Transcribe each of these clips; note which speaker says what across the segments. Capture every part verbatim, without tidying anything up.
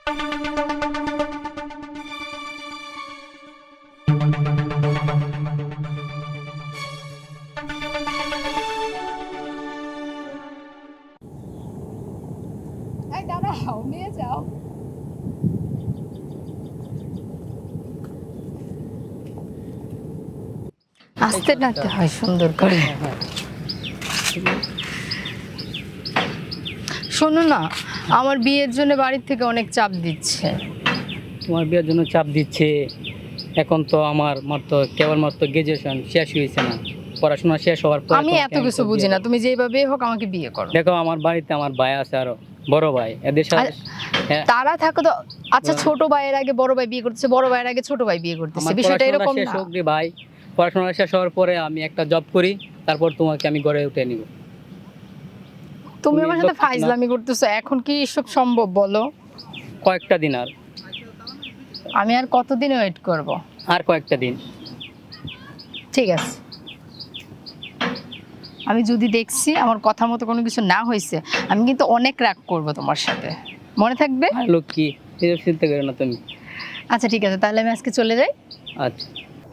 Speaker 1: এই দাঁড়াও, নিয়ে যাও। আস্তে নাড়তে হয় সুন্দর করে। শোনো না, আমার বিয়ের জন্য বাড়ির থেকে অনেক চাপ দিচ্ছে।
Speaker 2: তোমার বিয়ের জন্য চাপ দিচ্ছে? এখন তো আমার মাত্র কেবলমাত্র গ্রাজুয়েশন শেষ হয়েছে না, পড়াশোনা শেষ হওয়ার পর
Speaker 1: আমি এত কিছু বুঝি না, তুমি যেভাবে হোক আমাকে বিয়ে করো।
Speaker 2: দেখো আমার বাড়িতে আমার ভাই আছে, আরো বড় ভাই, এদের সাথে হ্যাঁ,
Speaker 1: তারা থাকো তো। আচ্ছা, ছোট ভাইয়ের আগে বড় ভাই বিয়ে করতেছে, বড় ভাইয়ের আগে ছোট ভাই বিয়ে করতেছে,
Speaker 2: আমার
Speaker 1: বিষয়টা
Speaker 2: পড়াশোনা
Speaker 1: এরকম
Speaker 2: শেষ
Speaker 1: না?
Speaker 2: হোক রে ভাই, পড়াশোনা শেষ হওয়ার পরে আমি একটা জব করি, তারপর তোমাকে আমি গড়ে উঠে নিব।
Speaker 1: তুমি
Speaker 2: তুমি
Speaker 1: আমার সাথে
Speaker 2: লক্ষ্য না-
Speaker 1: ফাইজলামি করতেছো, এখন কি এসব সম্ভব বলো?
Speaker 2: কয়েকটা দিন আর
Speaker 1: আমি আর কতদিন ওয়েট করব?
Speaker 2: আর কয়েকটা দিন।
Speaker 1: ঠিক আছে, আমি যদি দেখছি আমার কথা মতো কোনো কিছু না হয়েছে, আমি কিন্তু অনেক রাগ করব তোমার সাথে, মনে থাকবে?
Speaker 2: আর লোক কি, এসব চিন্তা করো না তুমি।
Speaker 1: আচ্ছা ঠিক আছে, তাহলে আমি আজকে চলে যাই।
Speaker 2: আচ্ছা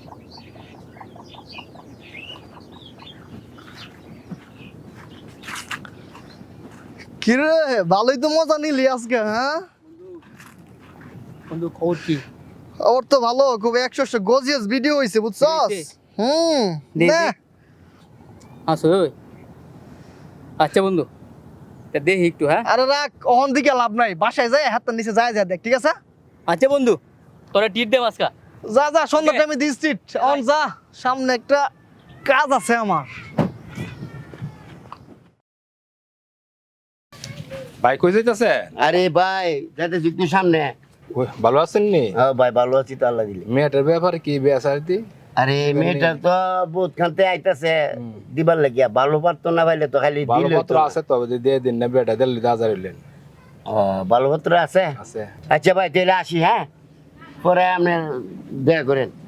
Speaker 3: কিরে, ভালোই তো মজা নিলি আজকে। হ্যাঁ
Speaker 2: বন্ধু, খবর কি?
Speaker 3: ওর তো ভালো, খুব একশো একশো গজিয়াস ভিডিও হয়েছে, বুঝছস?
Speaker 2: হয়েছে?
Speaker 3: হুম
Speaker 2: দেখি।
Speaker 3: নে।
Speaker 2: আসো ওই। আচ্ছা বন্ধু, তা দেখি একটু। হ্যাঁ
Speaker 3: আরে রাখ, অহন দিকে লাভ নাই, বাসায় যাই হাতটা নিচে যায় যা দেখ, ঠিক আছে?
Speaker 2: আচ্ছা বন্ধু, তোরা টিট দে আজকা।
Speaker 3: যা যা, সন্ধ্যা
Speaker 2: Okay.
Speaker 3: টাইমে দিস ট্রিট। অন যা, সামনে একটা কাজ আছে আমার।
Speaker 4: ভাই কই যাইতাছে?
Speaker 5: আরে ভাই যাতে যুক্তি সামনে।
Speaker 4: ওই, ভালো আছেন নি?
Speaker 5: হ্যাঁ ভাই ভালো আছি তো, আল্লাহ দিলে।
Speaker 4: মেয়েটার ব্যাপারে কি বেসারতি?
Speaker 5: আরে মেয়েটা তো বহুত খানতে আইতাছে দিবার লাগিয়া, ভালো পারতো না ভাইলে তো খালি
Speaker 4: ভালো
Speaker 5: দিলে
Speaker 4: পত্র আছে তো, যদি দিয়ে দিন না বেটা দিল্লি হাজার হইলেন।
Speaker 5: ও ভালো পত্র আছে।
Speaker 4: আছে।
Speaker 5: আচ্ছা ভাই তাহলে আসি, হ্যাঁ পরে আপনি দেখা করেন।